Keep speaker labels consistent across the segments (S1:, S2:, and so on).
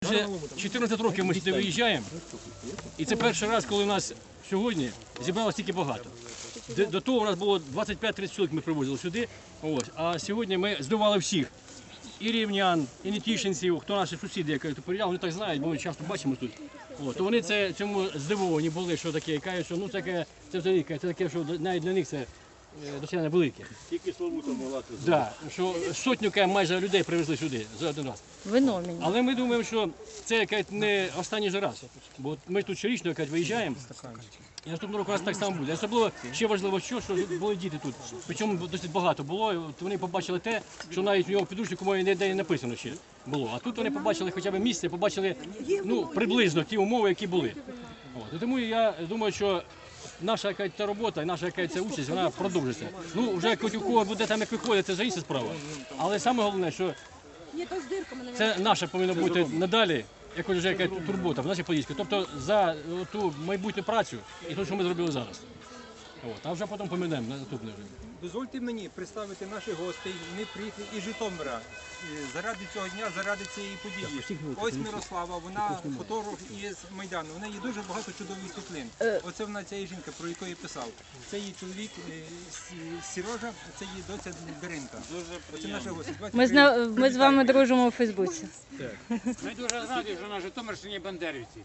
S1: Вже 14 років ми сюди виїжджаємо, і це перший раз, коли у нас сьогодні зібралося стільки багато. До того у нас було 25-30 чоловік ми привозили сюди, ось. А сьогодні ми здивували всіх. І рівнян, і нетішинців, хто наші сусіди, як приїжджали, вони так знають, бо ми часто бачимо тут. То вони цьому здивовані були, що таке, кажуть, що ну це таке, що навіть для них це досягнення велике.
S2: Тільки Славута могла це зробити.
S1: Так, що сотню майже людей привезли сюди за один раз.
S3: Виномінь.
S1: Але ми думаємо, що це не останній же раз, бо ми тут щорічно виїжджаємо. І наступного року у нас так само буде. Особливо ще важливо, що були діти тут. Причому досить багато було. От вони побачили те, що навіть у нього в підручнику мові ніде не написано ще було. А тут вони побачили хоча б місце, побачили приблизно ті умови, які були. І тому я думаю, що наша ця робота, наша ця участь, вона продовжиться. Ну, вже у кого буде там як виходить, це вже інша справа. Але саме головне, що це наше повинно бути надалі. Як вже яка турбота в нашій Подільській, тобто за ту майбутню працю і те, що ми зробили зараз. А вже потім помінемо на наступне.
S4: Дозвольте мені представити наших гостей. Вони приїхали із Житомира заради цього дня, заради цієї події. Ось Мирослава, вона фотограф із Майдану. У неї дуже багато чудових світлин. Оце вона, ця жінка, про яку я писав. Це її чоловік Сережа, це її доця Даринка. Оце наші гості.
S3: Ми з вами дружимо у Фейсбуці.
S5: Ми дуже раді, що на Житомирщині бандерівці.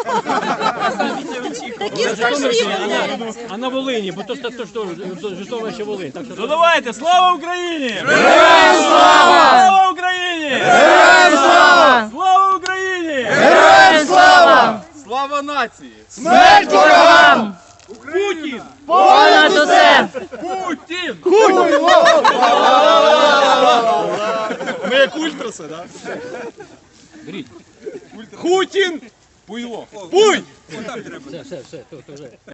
S1: А на Волині, бо то Житомир ще Волинь.
S2: Ну давайте, слава Україні! Героям слава! Слава Україні!
S3: Героям слава!
S2: Слава Україні!
S3: Героям слава!
S2: Слава нації!
S3: Смерть ворогам!
S2: Путін!
S3: Понад усе!
S2: Путін!
S4: Ми як ультраси, так?
S1: Беріть.
S2: Хутін! Пуйло! Пуй!
S4: Отак треба.
S1: Все, то вже.